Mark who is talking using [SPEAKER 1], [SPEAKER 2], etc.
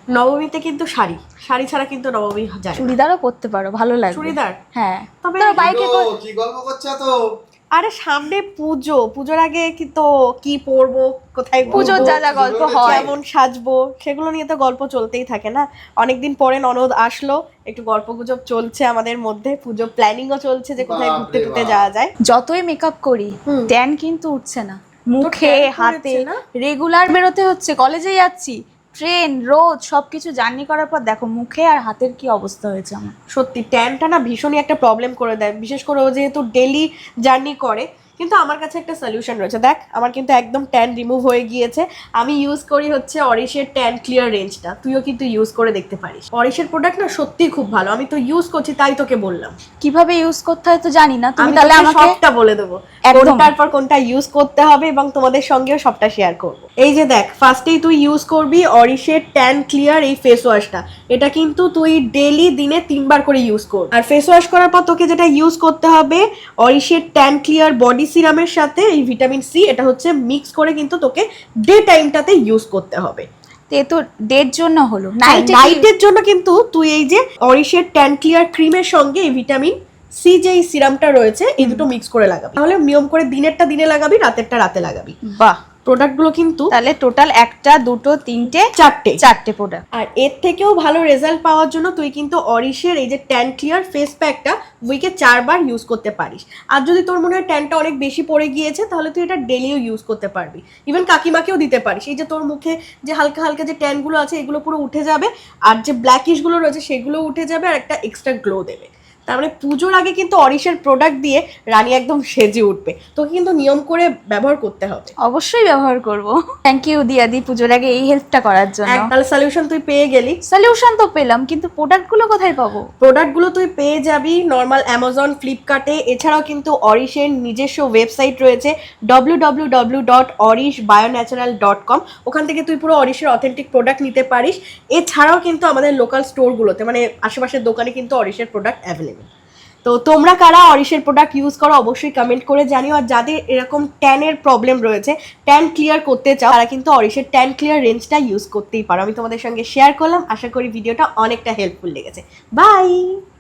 [SPEAKER 1] নবমীতে কিন্তু শাড়ি শাড়ি ছাড়া কিন্তু নবমী যায় না।
[SPEAKER 2] চুড়িদারও পরতে পারো, ভালো লাগবে।
[SPEAKER 1] চুড়িদার?
[SPEAKER 2] হ্যাঁ।
[SPEAKER 1] তবে
[SPEAKER 2] ধরো বাইকে
[SPEAKER 3] কি গল্প করছো তো?
[SPEAKER 1] আরে সামনে পুজো, পুজোর আগে কি তো কি পরবো, কোথায়
[SPEAKER 2] পুজোর
[SPEAKER 1] ঘুরবো,
[SPEAKER 2] যা যা গল্প হয়,
[SPEAKER 1] কেমন সাজবো, সেগুলো নিয়ে তো গল্প চলতেই থাকে না। অনেকদিন পরে ননদ আসলো, একটু গল্প গুজব চলছে আমাদের মধ্যে, পুজো প্ল্যানিংও চলছে যে কোথায় ঘুরতে টুরতে যাওয়া যায়।
[SPEAKER 2] যতই মেকআপ করি ট্যান কিন্তু উঠছে না মুখে হাতে। রেগুলার বেরোতে হচ্ছে, কলেজে যাচ্ছি, ট্রেন, রোদ, সবকিছু জার্নি করার পর দেখো মুখে আর হাতের কি অবস্থা হয়েছে আমার।
[SPEAKER 1] সত্যি ট্যানটা না ভীষণই একটা প্রবলেম করে দেয়, বিশেষ করে ও যেহেতু ডেলি জার্নি করে। কিন্তু আমার কাছে একটা সলিউশন রয়েছে, দেখ আমার কিন্তু একদম ট্যান রিমুভ হয়ে গিয়েছে। আমি ইউজ করি হচ্ছে অরিশের ট্যান ক্লিয়ার রেঞ্জটা, তুইও কিন্তু ইউজ করে দেখতে পারিস। অরিশের প্রোডাক্ট না সত্যিই খুব ভালো, আমি তো ইউজ করছি তাই তোকে বললাম।
[SPEAKER 2] কিভাবে ইউজ করতে হয় তো জানি না, তুমি
[SPEAKER 1] আমি
[SPEAKER 2] তাহলে
[SPEAKER 1] তাহলে
[SPEAKER 2] আমাকে
[SPEAKER 1] সবটা বলে দেবো, কোনটার পর কোনটা ইউজ করতে হবে, এবং তোমাদের সঙ্গেও সবটা শেয়ার করব। এই যে দেখ, ফার্স্টেই তুই ইউজ করবি অরিশের ট্যান ক্লিয়ার এই ফেস ওয়াশটা। এটা কিন্তু তুই ডেলি দিনে 3 বার করে ইউজ কর। আর ফেস ওয়াশ করার পর তোকে যেটা ইউজ করতে হবে, অরিশের ট্যান ক্লিয়ার বডি সিরামের সাথে এই ভিটামিন সি, এটা হচ্ছে মিক্স করে কিন্তু তোকে ডে টাইমটাতে ইউজ করতে হবে।
[SPEAKER 2] এ তো ডের জন্য হলো,
[SPEAKER 1] নাইটের জন্য কিন্তু তুই এই যে অরিশের ট্যান ক্লিয়ার ক্রিমের সঙ্গে এই ভিটামিন সি যে এই সিরামটা রয়েছে, এই দুটো মিক্স করে লাগাবি। তাহলে নিয়ম করে দিনেরটা দিনে লাগাবি, রাতেরটা রাতে লাগাবি।
[SPEAKER 2] বাহ,
[SPEAKER 1] প্রোডাক্টগুলো কিন্তু
[SPEAKER 2] তাহলে টোটাল 1টা 2টো 3টে 4টে প্রোডাক্ট।
[SPEAKER 1] আর এর থেকেও ভালো রেজাল্ট পাওয়ার জন্য তুই কিন্তু অরিশের এই যে ট্যান ক্লিয়ার ফেস প্যাকটা উইকে 4 বার ইউজ করতে পারিস। আর যদি তোর মনে হয় ট্যানটা অনেক বেশি পড়ে গিয়েছে, তাহলে তুই এটা ডেলিও ইউজ করতে পারবি, ইভেন কাকিমাকেও দিতে পারিস। এই যে তোর মুখে যে হালকা হালকা যে ট্যানগুলো আছে, এগুলো পুরো উঠে যাবে, আর যে ব্ল্যাকিশগুলো রয়েছে সেগুলো উঠে যাবে, আর একটা এক্সট্রা গ্লো দেবে। তার মানে পুজোর আগে কিন্তু অরিশের প্রোডাক্ট দিয়ে রানী একদম সেজে উঠবে। তোকে কিন্তু নিয়ম করে ব্যবহার করতে হবে।
[SPEAKER 2] অবশ্যই ব্যবহার করব। থ্যাংক ইউ দিয়াদি পুজোর আগে এই হেল্পটা করার জন্য।
[SPEAKER 1] তাহলে সলিউশন তুই পেয়ে গেলি।
[SPEAKER 2] সলিউশন তো পেলাম, কিন্তু প্রোডাক্টগুলো কোথায় পাবো?
[SPEAKER 1] প্রোডাক্টগুলো তুই পেয়ে যাবি নর্মাল অ্যামাজন, ফ্লিপকার্টে। এছাড়াও কিন্তু অরিশের নিজস্ব ওয়েবসাইট রয়েছে www.orishbionatural.com। ওখান থেকে তুই পুরো অরিশের অথেন্টিক প্রোডাক্ট নিতে পারিস। এছাড়াও কিন্তু আমাদের লোকাল স্টোরগুলোতে, মানে আশেপাশের দোকানে কিন্তু অরিশের প্রোডাক্ট অ্যাভেলেবেল। তো তোমরা কারা অরিশের প্রোডাক্ট ইউজ করো অবশ্যই কমেন্ট করে জানিও। আর যাদের এরকম ট্যানের প্রবলেম রয়েছে, ট্যান ক্লিয়ার করতে চাও, তারা কিন্তু অরিশের ট্যান ক্লিয়ার রেঞ্জটা ইউজ করতেই পারো। আমি তোমাদের সঙ্গে শেয়ার করলাম, আশা করি ভিডিওটা অনেকটা হেল্পফুল লেগেছে। বাই।